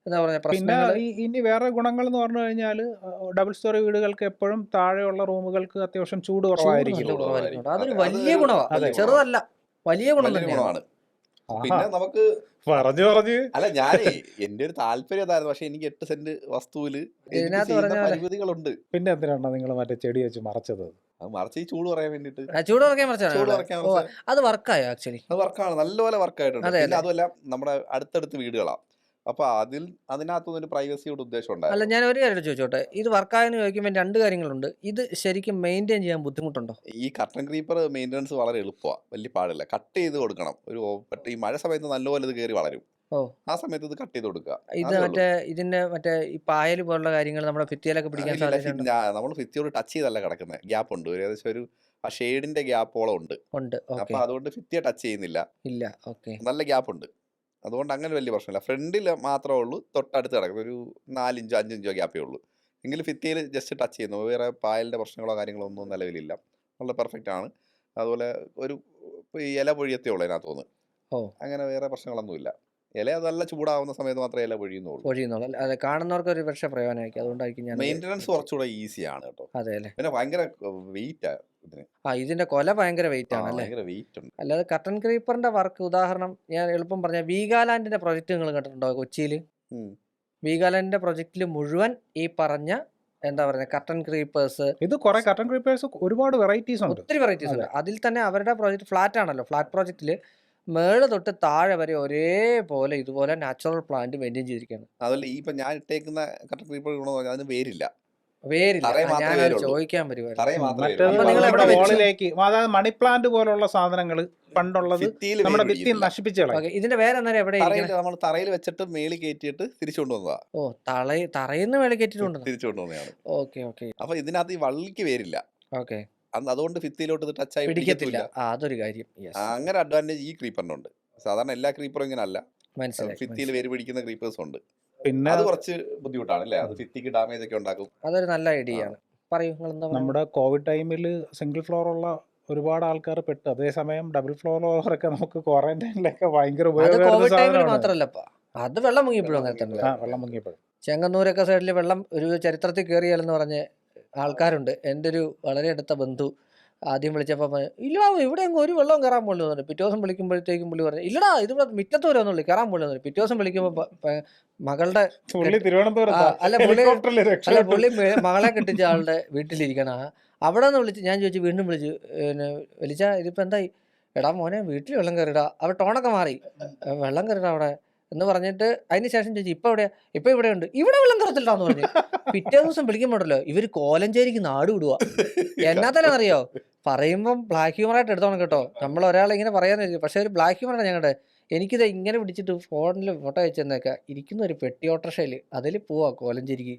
S2: എന്താ പറയുക
S3: പിന്നെ
S2: പ്രശ്നങ്ങൾ.
S3: ഈ ഇനി വേറെ ഗുണങ്ങൾ എന്ന് പറഞ്ഞു കഴിഞ്ഞാൽ ഡബിൾ സ്റ്റോറി വീടുകൾക്ക് എപ്പോഴും താഴെയുള്ള റൂമുകൾക്ക് അത്യാവശ്യം ചൂട്
S2: ചൂട്
S3: കുറവായിരിക്കും.
S2: നല്ല
S1: ചൂട്
S2: കുറവായിരിക്കും.
S1: കുറവായിരിക്കും.
S2: അതൊരു
S1: അതെ. അത്
S2: വലിയ
S1: ഒരു
S2: ഗുണമാണ്,
S3: അതെ.
S1: വലിയ ഗുണമാണ്.
S2: ചെറുതല്ല, വലിയ ഗുണം
S1: വലിയൊരു
S2: തന്നെയാണ്.
S1: ഗുണമാണ്.
S3: ആഹാ
S1: പിന്നെ നമുക്ക്
S3: പറഞ്ഞു പറഞ്ഞു
S1: അല്ല ഞാനേ എന്റെ ഒരു താല്പര്യം അതായിരുന്നു. പക്ഷെ എനിക്ക് എട്ട് സെന്റ് വസ്തുവില് എനിക്ക്
S2: ഇതിനകത്ത്
S1: ചെയ്യുന്ന
S2: പറഞ്ഞ പോലെ
S1: പരിമിതികളുണ്ട്.
S3: പിന്നെ എന്തിനാണ് നിങ്ങൾ മറ്റേ ചെടി വെച്ച് മറച്ചത്?
S1: അത് മറിച്ച് ഈ ചൂട് പറയാൻ വേണ്ടിട്ട്
S2: ആ, ചൂട് കുറയ്ക്കാൻ മറിച്ചാണ്
S1: ചൂട്
S2: ഇവിടെ.
S1: കുറയ്ക്കാൻ
S2: ഓ,
S1: മറിച്ച്
S2: അത് വർക്കായോ ആക്ച്വലി?
S1: അത് വർക്കാണ്, നല്ലപോലെ വർക്കായിട്ടുണ്ട്.
S2: അതെ
S1: പിന്നെ
S2: അല്ലേ?
S1: അതുമല്ല നമ്മുടെ അടുത്തടുത്ത് വീടുകളാണ്. അപ്പൊ അതിൽ അതിനകത്തൊന്നും ഒരു പ്രൈവസിയുടെ ഉദ്ദേശം
S2: അല്ല,
S1: ഉണ്ടായിരുന്നു.
S2: ഞാൻ ഒരു കാര്യം ചോദിച്ചോട്ടെ, ഇത് വർക്കായെന്ന് ചോദിക്കുമ്പോൾ രണ്ട് കാര്യങ്ങളുണ്ട്. ഇത് ശരിക്കും മെയിൻറ്റെയിൻ ചെയ്യാൻ ബുദ്ധിമുട്ടുണ്ടോ?
S1: ഈ കർട്ടൻ ക്രീപ്പർ മെയിൻ്റനൻസ് വളരെ എളുപ്പമാണ്, വലിയ പാടില്ല. കട്ട് ചെയ്ത് കൊടുക്കണം. ഒരു ഓ- പെട്ട- ഈ മഴ സമയത്ത് നല്ലപോലെ ഇത് കയറി വളരും.
S2: ഓ,
S1: ആ സമയത്ത് ഇത് കട്ട് ചെയ്ത് കൊടുക്കുക,
S2: ഇത്
S1: അതേ ഉള്ളൂ.
S2: മറ്റേ ഇതിന്റെ മറ്റേ ഈ പായൽ പോലുള്ള കാര്യങ്ങൾ നമ്മുടെ ഭിത്തിയിലൊക്കെ പിടിക്കാൻ
S1: ഇല്ല
S2: സാധ്യതയുണ്ടോ?
S1: നമ്മൾ ഭിത്തിയോട് ടച്ച് ചെയ്തല്ല കിടക്കുന്നത്, ഗ്യാപ്പ് ഉണ്ട്, ഒരു ഏകദേശം ഒരു ആ ഷെയ്ഡിന്റെ ഗ്യാപ്പോളം ഉണ്ട്.
S2: ഉണ്ട്.
S1: അപ്പൊ
S2: ഓക്കെ.
S1: അതുകൊണ്ട് ഭിത്തിയെ ടച്ച് ചെയ്യുന്നില്ല,
S2: ഇല്ല. ഓക്കെ.
S1: നല്ല ഗ്യാപ്പ് ഉണ്ട്. അതുകൊണ്ട് അങ്ങനെ വലിയ പ്രശ്നമില്ല. ഫ്രണ്ടിൽ മാത്രമേ ഉള്ളൂ തൊട്ടടുത്ത് കിടക്കുന്നത്, ഒരു നാലിഞ്ചോ അഞ്ചിഞ്ചോ ഗ്യാപ്പേ ഉള്ളൂ. എങ്കിലും ഭിത്തിയിൽ ജസ്റ്റ് ടച്ച് ചെയ്യുന്നു. വേറെ പായലിന്റെ പ്രശ്നങ്ങളോ കാര്യങ്ങളോ ഒന്നും നിലവിലില്ല, നല്ല പെർഫെക്റ്റ് ആണ്. അതുപോലെ ഒരു ഇപ്പൊ ഈ ഇല പൊഴിയത്തേ ഉള്ളൂ അതിനകത്ത് തോന്നുന്നു,
S2: ഓ,
S1: അങ്ങനെ വേറെ പ്രശ്നങ്ങളൊന്നുമില്ല. ഇല നല്ല ചൂടാവുന്ന സമയത്ത് മാത്രമേ ഇല പൊഴിയുന്നുള്ളൂ.
S2: പൊഴിയുന്നുള്ളൂ. അതെ, കാണുന്നവർക്ക് ഒരു പക്ഷേ പ്രയോജനമായിരിക്കും, അതുകൊണ്ടായിരിക്കും ഞാൻ
S1: മെയിൻ്റനൻസ് കുറച്ചുകൂടെ ഈസിയാണ് കേട്ടോ.
S2: അതെ അല്ലേ?
S1: പിന്നെ ഭയങ്കര വെയിറ്റ് ഇതിന്,
S2: ആ, ഇതിന്റെ കൊല ഭയങ്കര വെയിറ്റ്
S1: ആ
S2: ആണ് അല്ലേ?
S1: ഭയങ്കര വെയിറ്റ് ഉണ്ട്.
S2: അല്ലാതെ കർട്ടൻ ക്രീപ്പറിന്റെ വർക്ക് ഉദാഹരണം ഞാൻ എളുപ്പം പറഞ്ഞ വീഗാലാൻഡിന്റെ പ്രൊജക്ട് നിങ്ങൾ കണ്ടിട്ടുണ്ടോ കൊച്ചിയിൽ?
S1: ഉം.
S2: വീഗാലാൻഡിന്റെ പ്രൊജക്റ്റിൽ മുഴുവൻ ഈ പറഞ്ഞ എന്താ പറയുക കർട്ടൻ ക്രീപ്പേഴ്സ്,
S3: ഇത് കുറെ കർട്ടൻ ക്രീപ്പേഴ്സ് ഒരുപാട് വെറൈറ്റീസ് ഉണ്ട്.
S2: ഒത്തിരി വെറൈറ്റീസ്
S3: അതെ.
S2: ഉണ്ട്. അതിൽ തന്നെ അവരുടെ പ്രോജക്റ്റ് ഫ്ലാറ്റ് ആണല്ലോ. ഫ്ലാറ്റ് പ്രോജക്റ്റിൽ മേള് തൊട്ട് താഴെ വരെ ഒരേപോലെ ഇതുപോലെ നാച്ചുറൽ പ്ലാന്റ് മെയിൻറ്റെയിൻ ചെയ്തിരിക്കുകയാണ്.
S1: അതല്ല ഈ ഇപ്പൊ ഞാൻ ഇട്ടേക്കുന്ന കട്ടൻ ക്രീപ്പർ ഗുണമെന്ന് പറഞ്ഞാൽ അതിന് വേരില്ല,
S2: വേരില്ല.
S1: തറയിൽ
S2: ആ,
S1: മാത്രമേ
S2: ഞാനത്
S1: വേരുള്ളൂ.
S2: ചോദിക്കാൻ വരുമായിരുന്നു.
S1: തറയിൽ മാത്രമേ
S3: മറ്റേത്
S1: വേരുള്ളൂ.
S2: അപ്പൊ നിങ്ങൾ
S1: അപ്പൊ
S2: എവിടെ
S3: നമ്മുടെ
S2: വെച്ചു?
S3: വോളിലേക്ക്, അതായത് മണി പ്ലാന്റ് പോലുള്ള സാധനങ്ങൾ പണ്ടുള്ളത്
S1: ഭിത്തിയിൽ
S3: നമ്മുടെ
S1: വേര്
S3: ഭിത്തി
S1: പിടിക്കത്തില്ല.
S3: നശിപ്പിച്ചു കളയും.
S2: ഓക്കെ, ഇതിന്റെ വേറെ അന്നേരം എവിടെ
S1: തറയിൽ
S2: ഇരിക്കണം?
S1: നമ്മൾ തറയിൽ വെച്ചിട്ട് മേളിൽ കയറ്റിയിട്ട് തിരിച്ചു കൊണ്ടുവന്നതാ,
S2: ഓ, തള തറയിന്ന് മേളിൽ കയറ്റിട്ടുണ്ട്.
S1: തിരിച്ചു കൊണ്ടുവന്നതാണ്.
S2: ഓക്കെ ഓക്കെ
S1: അപ്പൊ ഇതിനകത്ത് ഈ വള്ളിക്ക് വേരില്ല,
S2: ഓക്കെ.
S1: അന്ന് അതുകൊണ്ട് ഭിത്തിയിലോട്ട് ഇത് ടച്ചായി
S2: പിടിക്കത്തില്ല.
S1: പിടിക്കത്തില്ല.
S2: ആ, അതൊരു കാര്യം. യെസ്,
S1: അങ്ങനെ അഡ്വാൻറ്റേജ് ഈ ക്രീപ്പറിനുണ്ട്. സാധാരണ എല്ലാ ക്രീപ്പറും ഇങ്ങനെ അല്ല,
S2: മനസ്സിലായി.
S1: ഭിത്തിയിൽ
S2: മനസ്സിലായി.
S1: വേര് പിടിക്കുന്ന ക്രീപ്പേഴ്സ് ഉണ്ട്.
S3: പിന്നെ
S1: അത് കുറച്ച് ബുദ്ധിമുട്ടാണ് അല്ലേ, അത് ഭിത്തിക്ക് ഡാമേജ് ഒക്കെ ഉണ്ടാക്കും.
S2: അതൊരു നല്ല ഐഡിയ
S1: ആ.
S2: ആണ്. പറയൂ, നിങ്ങൾ എന്താ പറയുക?
S3: നമ്മുടെ കോവിഡ് ടൈമിൽ സിംഗിൾ ഫ്ലോർ ഉള്ള ഒരുപാട് ആൾക്കാർ പെട്ട്, അതേസമയം ഡബിൾ ഫ്ലോർ ഉള്ളവരൊക്കെ നമുക്ക് ക്വാറന്റൈനിലൊക്കെ ഭയങ്കര
S2: അത്
S3: ഉപയോഗമായിരുന്ന
S2: കോവിഡ് ടൈമിൽ
S3: സാധനമാണ്.
S2: മാത്രല്ലപ്പ, അത് വെള്ളം മുങ്ങിയപ്പോഴും അങ്ങനെ തന്നെ.
S3: ആ, വെള്ളം മുങ്ങിയപ്പോഴും.
S2: ചെങ്ങന്നൂരൊക്കെ സൈഡിൽ വെള്ളം ഒരു ചരിത്രത്തിൽ കയറിയാലെന്ന് പറഞ്ഞ ആൾക്കാരുണ്ട്. എൻ്റെ ഒരു വളരെ അടുത്ത ബന്ധു ആദ്യം വിളിച്ചപ്പോൾ പറഞ്ഞു, ഇല്ല ഇവിടെ എങ്ങും ഒരു വെള്ളം കയറാൻ പോലും പറഞ്ഞു. പിറ്റേ ദിവസം വിളിക്കുമ്പോഴത്തേക്കും പുള്ളി പറഞ്ഞു, ഇല്ലടാ ഇതിവിടെ മുറ്റത്ത് വരുമെന്നുള്ളൂ, കയറാൻ പോലും പറഞ്ഞു. പിറ്റേ ദിവസം വിളിക്കുമ്പോൾ മകളുടെ
S3: പുള്ളി
S2: കെട്ടി- ആ,
S3: തിരുവനന്തപുരത്ത്
S2: അല്ല പുള്ളി
S3: ഹെലികോപ്റ്ററിൽ
S2: അല്ല
S3: രക്ഷപ്പെട്ടു.
S2: പുള്ളി മെ- മകളെ കെട്ടിച്ച ആളുടെ വീട്ടിലിരിക്കണം. ആ, അവിടെ നിന്ന് വിളിച്ച് ഞാൻ ചോദിച്ചു, വീണ്ടും വിളിച്ചു, പിന്നെ വിളിച്ച ഇതിപ്പോൾ എന്തായി? എടാ മോനെ വീട്ടിൽ വെള്ളം കയറിടാ. അവർ ടോണൊക്കെ മാറി, "ഏ, വെള്ളം കയറിടാ അവിടെ എന്ന് പറഞ്ഞിട്ട് അതിന് ശേഷം ചോദിച്ചു, ഇപ്പം എവിടെയാ? ഇപ്പം ഇവിടെ ഉണ്ട്. ഇവിടെ വെള്ളം കയറത്തില്ലാന്ന് പറഞ്ഞു. പിറ്റേ ദിവസം വിളിക്കുമ്പോഴല്ലോ ഇവർ കോലഞ്ചേരിക്ക് നാട് വിടുക. എന്നാത്തല്ലെന്നറിയോ, പറയുമ്പം ബ്ലാക്ക് ഹ്യൂമറായിട്ട് എടുത്തോണം കേട്ടോ. നമ്മൾ ഒരാളെ ഇങ്ങനെ പറയാന്നിരിക്കും, പക്ഷേ ഒരു ബ്ലാക്ക് ഹ്യൂമറാണ് ഞങ്ങളുടെ. എനിക്കിത് ഇങ്ങനെ പിടിച്ചിട്ട് ഫോണിൽ ഫോട്ടോ അയച്ചു തന്നേക്ക, ഇരിക്കുന്ന ഒരു പെട്ടി ഓട്ടോറിക്ഷയിൽ അതിൽ പോവാ കോലഞ്ചേരിക്ക്.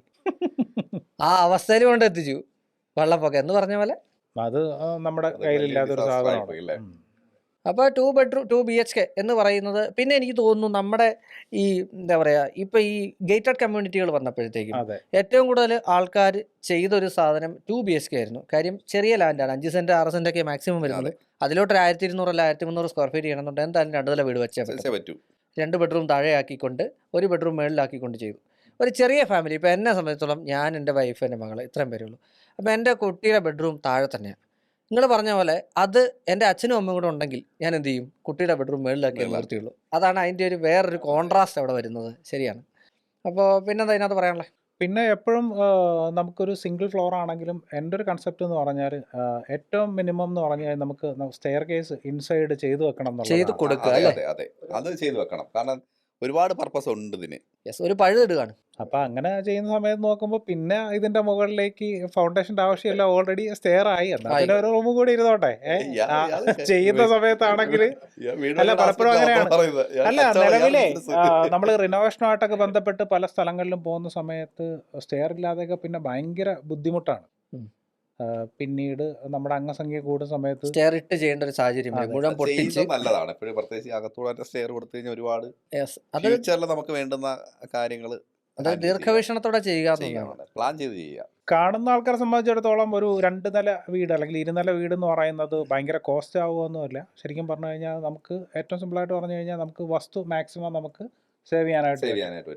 S2: ആ അവസ്ഥയിൽ കൊണ്ട് എത്തിച്ചു വെള്ളപ്പൊക്കം എന്ന് പറഞ്ഞ പോലെ.
S3: അത് ആ, നമ്മുടെ
S1: അത്
S3: കയ്യിലില്ലാത്ത ഒരു
S1: വലിയ disaster
S3: സാധനമാണ്.
S1: ആയിപ്പോയി അല്ലേ?
S3: ഉം.
S2: അപ്പോൾ two bedroom two B H K എന്ന് പറയുന്നത്, പിന്നെ എനിക്ക് തോന്നുന്നു നമ്മുടെ ഈ എന്താ പറയുക, ഇപ്പം ഈ ഗേറ്റഡ് കമ്മ്യൂണിറ്റികൾ വന്നപ്പോഴത്തേക്കും
S3: അതെ.
S2: ഏറ്റവും കൂടുതൽ ആൾക്കാർ ചെയ്തൊരു സാധനം ടു ബി എച്ച് കെ ആയിരുന്നു. കാര്യം ചെറിയ ലാൻഡാണ്, അഞ്ച് സെൻറ്റ് ആറ് സെൻറ്റ് ഒക്കെ മാക്സിമം വരുന്നത്. അതിലോട്ടൊരു ആയിരത്തി ഇരുന്നൂറ് അല്ല ആയിരത്തി മുന്നൂറ് സ്ക്വയർ ഫീറ്റ് ചെയ്യണമെന്നുണ്ട് എന്തായാലും രണ്ട് നില വീട് വെച്ചാൽ പറ്റും.
S1: സെ- പറ്റൂ.
S2: രണ്ട് ബെഡ്റൂം താഴെയാക്കിക്കൊണ്ട് ഒരു ബെഡ്റൂം മേളിലാക്കിക്കൊണ്ട് ചെയ്തു. ഒരു ചെറിയ ഫാമിലി, ഇപ്പോൾ എന്നെ സംബന്ധിച്ചിടത്തോളം ഞാൻ എൻ്റെ വൈഫ് എൻ്റെ മകൾ ഇത്രയും പേരേ ഉള്ളൂ. അപ്പോൾ എൻ്റെ കുട്ടിയുടെ ബെഡ്റൂം താഴെ തന്നെയാണ്. നിങ്ങൾ പറഞ്ഞ പോലെ അത് എൻ്റെ അച്ഛനും അമ്മയും കൂടെ ഉണ്ടെങ്കിൽ ഞാൻ എന്ത് ചെയ്യും, കുട്ടിയുടെ ബെഡ്റൂം മേളിലാക്കി
S1: മേളിലാക്കി.
S2: നിർത്തിയുള്ളൂ. അതാണ് അതിൻ്റെ ഒരു വേറൊരു കോൺട്രാസ്റ്റ് അവിടെ വരുന്നത്. ശരിയാണ്. അപ്പോൾ പിന്നെന്താ ഇതിനകത്ത് പറയാനുള്ളത്?
S3: പിന്നെ എപ്പോഴും നമുക്കൊരു സിംഗിൾ ഫ്ലോർ ആണെങ്കിലും എൻ്റെ ഒരു കൺസെപ്റ്റ് എന്ന് പറഞ്ഞാൽ ഏറ്റവും മിനിമം എന്ന് പറഞ്ഞാൽ നമുക്ക് സ്റ്റെയർ കേസ് ഇൻസൈഡ് ചെയ്തു വെക്കണം
S2: ചെയ്ത്
S3: എന്നുള്ളതാണ്.
S2: കൊടുക്കുക
S1: അതെ
S2: അല്ലേ?
S1: അതെ അതെ അത് ചെയ്തു വെക്കണം, കാരണം ഒരുപാട് പർപ്പസ് ഉണ്ട് ഇതിന്.
S2: യെസ്, ഒരു പഴുതിടുകയാണ്.
S3: അപ്പൊ അങ്ങനെ ചെയ്യുന്ന സമയത്ത് നോക്കുമ്പോൾ പിന്നെ ഇതിന്റെ മുകളിലേക്ക് ഫൗണ്ടേഷന്റെ ആവശ്യമില്ല, ഓൾറെഡി സ്റ്റെയർ ആയി. എന്നാ
S2: ആയി.
S3: പിന്നെ ഒരു റൂം കൂടി ഇരുന്നോട്ടെ. ഏ?
S1: ഇയാള്
S3: ആ,
S1: ഇയാള്
S3: ചെയ്യുന്ന സമയത്താണെങ്കിൽ
S1: ഇയാ വീട്
S3: അല്ല,
S1: പണിയുടെ
S3: പലപ്പോഴും
S1: aspect ആ
S3: അങ്ങനെയാണ്.
S1: പറയുന്നത്. ഇയാൾ
S3: അല്ല,
S1: കച്ചവടം, ഇയാൾ
S3: നിലവിലെ
S1: business.
S3: നമ്മൾ റിനോവേഷനുമായിട്ടൊക്കെ ബന്ധപ്പെട്ട് പല സ്ഥലങ്ങളിലും പോകുന്ന സമയത്ത് സ്റ്റെയർ ഇല്ലാതെയൊക്കെ പിന്നെ ഭയങ്കര ബുദ്ധിമുട്ടാണ്.
S2: ഉം.
S3: ആ, പിന്നീട് നമ്മുടെ അംഗസംഖ്യ കൂടുന്ന സമയത്ത്
S2: സ്റ്റെയർ ഇട്ട് ചെയ്യേണ്ട ഒരു സാഹചര്യം വരും.
S3: അതെ.
S2: മുഴുവൻ പൊട്ടിച്ച്.
S1: ചെയ്യുന്നത് നല്ലതാണ് എപ്പോഴും, പ്രത്യേകിച്ച് അകത്തൂടെ സ്റ്റെയർ കൊടുത്തു കഴിഞ്ഞാൽ ഒരുപാട്
S2: യെസ്, അത്
S1: ഫ്യൂച്ചറിൽ നമുക്ക് വേണ്ടുന്ന കാര്യങ്ങൾ
S2: അത് ദീർഘവീക്ഷണത്തോടെ ചെയ്യുക എന്നുള്ളതാണ്.
S1: ചെയ്യണം, പ്ലാൻ ചെയ്ത് ചെയ്യുക.
S3: കാണുന്ന ആൾക്കാരെ സംബന്ധിച്ചിടത്തോളം ഒരു രണ്ട് നില വീട് അല്ലെങ്കിൽ ഇരുനില വീട് എന്ന് പറയുന്നത് ഭയങ്കര കോസ്റ്റ് ആവുകയൊന്നുമില്ല. ശരിക്കും പറഞ്ഞു കഴിഞ്ഞാൽ നമുക്ക് ഏറ്റവും സിമ്പിളായിട്ട് പറഞ്ഞു കഴിഞ്ഞാൽ നമുക്ക് വസ്തു മാക്സിമം നമുക്ക് സേവ് ചെയ്യാനായിട്ട്
S1: സേവ്
S3: പറ്റും.
S1: ചെയ്യാനായിട്ട് പറ്റും. അതെ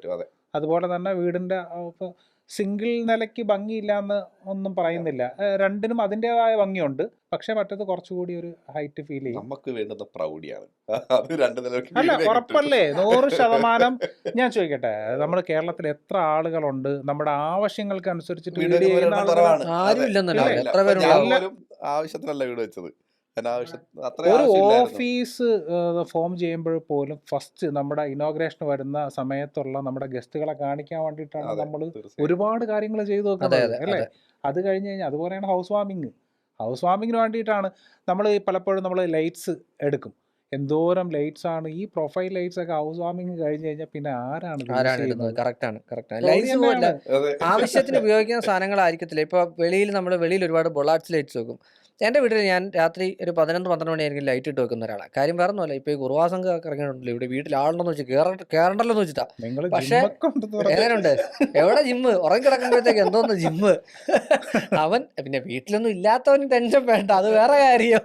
S3: അതുപോലെ തന്നെ വീടിൻ്റെ ഇപ്പോൾ സിംഗിൾ നിലയ്ക്ക് ഭംഗിയില്ല എന്ന് ഒന്നും പറയുന്നില്ല. ഏഹ് രണ്ടിനും അതിൻ്റെതായ ഭംഗിയുണ്ട്. പക്ഷേ മറ്റേത് കുറച്ചുകൂടി ഒരു ഹൈറ്റ് ഫീൽ ചെയ്യും.
S1: നമുക്ക് വേണ്ടുന്ന പ്രൗഢിയാണ്. അത് രണ്ട് നിലയ്ക്ക്
S3: അല്ല
S1: വീടിനെ കിട്ടും.
S3: ഉറപ്പല്ലേ നൂറ് ശതമാനം. ഞാൻ ചോദിക്കട്ടെ, നമ്മുടെ കേരളത്തിൽ എത്ര ആളുകളുണ്ട് നമ്മുടെ ആവശ്യങ്ങൾക്ക് അനുസരിച്ചിട്ട്
S1: വീട്
S3: വീട്
S1: വെക്കുന്നവർ
S3: ചെയ്യുന്ന
S1: എണ്ണം
S3: ആളുകൾ?
S1: കുറവാണ്.
S2: ആരും
S1: അതെ.
S2: ഇല്ലെന്നല്ല
S3: ഇല്ലേ?
S1: ഇല്ല.
S2: എത്ര
S1: ഇപ്പൊ ഞാൻ
S2: പേരുണ്ടാവും.
S3: എല്ലാ
S1: പോലും ആവശ്യത്തിനല്ല വീട് വെച്ചത്. അനാവശ്യം അത്ര
S3: ഒരു
S1: ആവശ്യമില്ലായിരുന്നു.
S3: ഓഫീസ് ഫോം ചെയ്യുമ്പോൾ പോലും ഫസ്റ്റ് നമ്മുടെ ഇനോഗ്രേഷൻ വരുന്ന സമയത്തുള്ള നമ്മുടെ ഗസ്റ്റുകളെ കാണിക്കാൻ വേണ്ടിയിട്ടാണ്
S1: അതെ,
S3: നമ്മൾ
S1: തീർച്ചയായും.
S3: ഒരുപാട് കാര്യങ്ങൾ ചെയ്തു
S2: അതെ
S3: വെക്കുന്നത്,
S2: അതെ
S3: അല്ലേ?
S2: അതെ
S3: അത് കഴിഞ്ഞ് കഴിഞ്ഞാൽ അതുപോലെയാണ് ഹൗസ് വാമിങ്. ഹൗസ് വാമിങ്ങിന് വേണ്ടിയിട്ടാണ് നമ്മൾ പലപ്പോഴും നമ്മൾ ലൈറ്റ്സ് എടുക്കും. എന്തോരം ലൈറ്റ്സ് ആണ് ഈ പ്രൊഫൈൽ ലൈറ്റ്സ് ഒക്കെ ഹൗസ് വാമിങ് കഴിഞ്ഞ് കഴിഞ്ഞാൽ പിന്നെ ആരാണ് യൂസ്
S2: ആരാണ് ഇടുന്നത്?
S3: ചെയ്യുന്നത്?
S2: കറക്റ്റാണ് കറക്റ്റാണ്.
S3: ജോലി
S2: ലൈറ്റ്സ് പോലല്ല
S3: തന്നെയാണ്.
S1: അതെ.
S2: ആവശ്യത്തിന് ഉപയോഗിക്കുന്ന സാധനങ്ങളായിരിക്കത്തില്ല. ഇപ്പോൾ വെളിയിൽ നമ്മൾ വെളിയിൽ ഒരുപാട് ബൊളാർട്സ് ലൈറ്റ്സ് വെക്കും. എൻ്റെ വീട്ടിൽ ഞാൻ രാത്രി ഒരു പതിനൊന്ന് പന്ത്രണ്ട് മണിയായിരിക്കും ലൈറ്റ് ഇട്ട് വെക്കുന്ന ഒരാളാണ്. കാര്യം വേറെ ഒന്നുമല്ല, ഇപ്പോൾ ഈ കുറുവാസംഘ ഒക്കെ ഇറങ്ങിയിട്ടുണ്ടല്ലോ ഇവിടെ, വീട്ടിൽ ആളുണ്ടെന്ന് വെച്ച് കയറ കയറണ്ടല്ലോ എന്ന് വെച്ചിട്ടാ.
S3: നിങ്ങൾ
S2: പക്ഷേ
S3: ജിമ്മൊക്കെ ഉണ്ടെന്ന് പറഞ്ഞു.
S2: എങ്ങനെയുണ്ട്, എവിടെ ജിമ്മ്? ഉറങ്ങി കിടക്കുമ്പോഴത്തേക്ക് എന്തോന്ന് ജിമ്മ്. അവൻ പിന്നെ വീട്ടിലൊന്നും ഇല്ലാത്തവന് ടെൻഷൻ വേണ്ട, അത് വേറെ കാര്യം.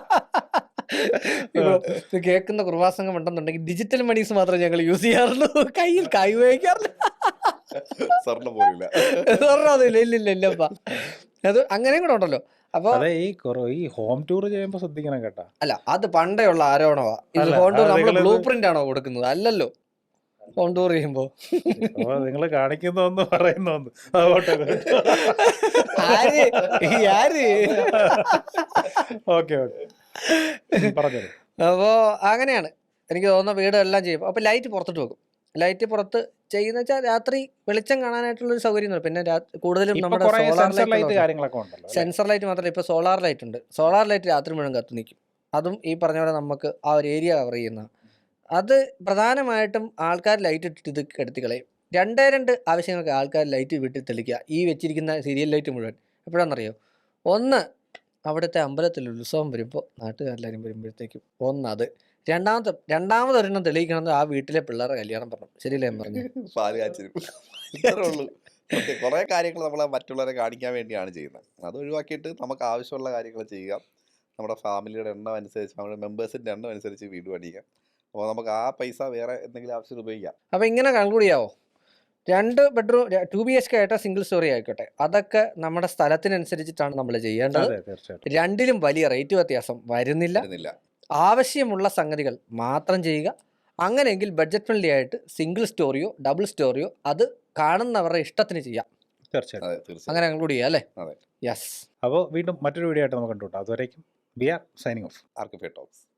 S2: ഇപ്പൊ ഇത് കേൾക്കുന്ന കുറുവാസംഘം ഉണ്ടെന്നുണ്ടെങ്കിൽ ഡിജിറ്റൽ മണീസ് മാത്രമേ ഞങ്ങൾ യൂസ് ചെയ്യാറുള്ളൂ, കയ്യിൽ കൈ ഉപയോഗിക്കാറില്ല.
S1: സ്വർണ്ണം പോലില്ല.
S2: സ്വർണ്ണമൊന്നുമില്ല, ഇല്ല ഇല്ല ഇല്ലപ്പാ. അത് അങ്ങനെയും കൂടെ ഉണ്ടല്ലോ. അപ്പോൾ
S3: അതെ, ഈ കുറ ഈ ഹോം ടൂർ ചെയ്യുമ്പോൾ ശ്രദ്ധിക്കണം കേട്ടാ.
S2: അല്ല, അത് പണ്ടേ ഉള്ള ആരോപണമാ. ഇത്
S3: അല്ല
S2: ഹോം ടൂർ
S3: അത്
S2: നമ്മൾ
S3: നിങ്ങളിത്
S2: ബ്ലൂ പ്രിന്റ് ആണോ കൊടുക്കുന്നത്? അല്ലല്ലോ, ഹോം ടൂർ ചെയ്യുമ്പോ.
S3: അപ്പോൾ നിങ്ങൾ കാണിക്കുന്നൊന്ന് പറയുന്നൊന്ന് അതുകൊണ്ട്
S2: ആര് ഈ ആര്
S3: ഓക്കെ ഓക്കെ പറഞ്ഞത്.
S2: അപ്പോൾ അങ്ങനെയാണ് എനിക്ക് തോന്നുന്ന വീടെല്ലാം ചെയ്യും. അപ്പോൾ ലൈറ്റ് പുറത്തിട്ട് വെക്കും. ലൈറ്റ് പുറത്ത് ചെയ്യുന്ന വെച്ചാൽ രാത്രി വെളിച്ചം കാണാനായിട്ടുള്ളൊരു സൗകര്യം. പിന്നെ രാ- കൂടുതലും
S3: ഇപ്പൊ
S2: നമ്മുടെ
S3: കുറെ
S2: സോളാർ
S3: സെൻസർ ലൈറ്റ്
S2: ലൈറ്റ്,
S3: കാര്യങ്ങളൊക്കെ ഉണ്ടല്ലോ, അല്ലേ?
S2: സെൻസർ ലൈറ്റ് മാത്രമല്ല, ഇപ്പോൾ സോളാർ ലൈറ്റ് ഉണ്ട്. സോളാർ ലൈറ്റ് രാത്രി മുഴുവൻ കത്തി നിൽക്കും. അതും ഈ പറഞ്ഞ പോലെ നമുക്ക് ആ ഒരു ഏരിയ കവർ ചെയ്യുന്ന അത് പ്രധാനമായിട്ടും ആൾക്കാർ ലൈറ്റ് ഇട്ടിട്ട് ഇത് കെടുത്തി കളയും. രണ്ടേ രണ്ട് ആവശ്യങ്ങൾക്ക് ആൾക്കാർ ലൈറ്റ് വീട്ടിൽ തെളിക്കുക, ഈ വെച്ചിരിക്കുന്ന സീരിയൽ ലൈറ്റ് മുഴുവൻ. എപ്പോഴാണെന്നറിയോ? ഒന്ന്, അവിടുത്തെ അമ്പലത്തിൽ ഉത്സവം വരുമ്പോൾ നാട്ടുകാരെല്ലാവരും വരുമ്പോഴത്തേക്കും ഒന്നത്. രണ്ടാമത്തെ രണ്ടാമതൊരെണ്ണം തെളിയിക്കണമെന്ന് ആ വീട്ടിലെ പിള്ളേരുടെ കല്യാണം പറഞ്ഞു. ശരിയല്ലേ ഞാൻ പറഞ്ഞു?
S1: പാല് കാച്ചിനും ഇത്രേ ഉള്ളൂ. സത്യം കുറേ കാര്യങ്ങൾ നമ്മൾ മറ്റുള്ളവരെ കാണിക്കാൻ വേണ്ടിയാണ് ചെയ്യുന്നത്. അത് ഒഴിവാക്കിയിട്ട് നമുക്ക് ആവശ്യമുള്ള കാര്യങ്ങൾ ചെയ്യുക. നമ്മുടെ ഫാമിലിയുടെ എണ്ണം അനുസരിച്ച്, നമ്മുടെ മെമ്പേഴ്സിൻ്റെ എണ്ണം അനുസരിച്ച് വീട് പണിയുക. അപ്പോൾ നമുക്ക് ആ പൈസ വേറെ എന്തെങ്കിലും ആവശ്യത്തിന് ഉപയോഗിക്കാം.
S2: അപ്പോൾ ഇങ്ങനെ കൺക്ലൂഡ് ചെയ്യാവോ? രണ്ട് bedroom two B H K ആയിട്ട് സിംഗിൾ സ്റ്റോറി ആയിക്കോട്ടെ, അതൊക്കെ നമ്മുടെ സ്ഥലത്തിനനുസരിച്ചിട്ടാണ് നമ്മൾ ചെയ്യേണ്ടത്.
S3: അതെ, തീർച്ചയായിട്ടും.
S2: രണ്ടിലും വലിയ റേറ്റ് വ്യത്യാസം വരുന്നില്ല.
S1: വരുന്നില്ല.
S2: ആവശ്യമുള്ള സംഗതികൾ മാത്രം ചെയ്യുക. അങ്ങനെയെങ്കിൽ ബഡ്ജറ്റ് ഫ്രണ്ട്ലി ആയിട്ട് സിംഗിൾ സ്റ്റോറിയോ ഡബിൾ സ്റ്റോറിയോ അത് കാണുന്നവരുടെ ഇഷ്ടത്തിന് ചെയ്യാം.
S3: തീർച്ചയായിട്ടും.
S1: അതെ, തീർച്ചയായും.
S2: അങ്ങനെ കൺക്ലൂഡ് ചെയ്യാം അല്ലേ?
S1: അതെ.
S2: യെസ്.
S3: അപ്പോൾ വീണ്ടും മറ്റൊരു വീഡിയോ ആയിട്ട് നമുക്ക് കണ്ടുകൂട്ടാം. അതുവരേക്കും we are signing off.
S1: Archify talks.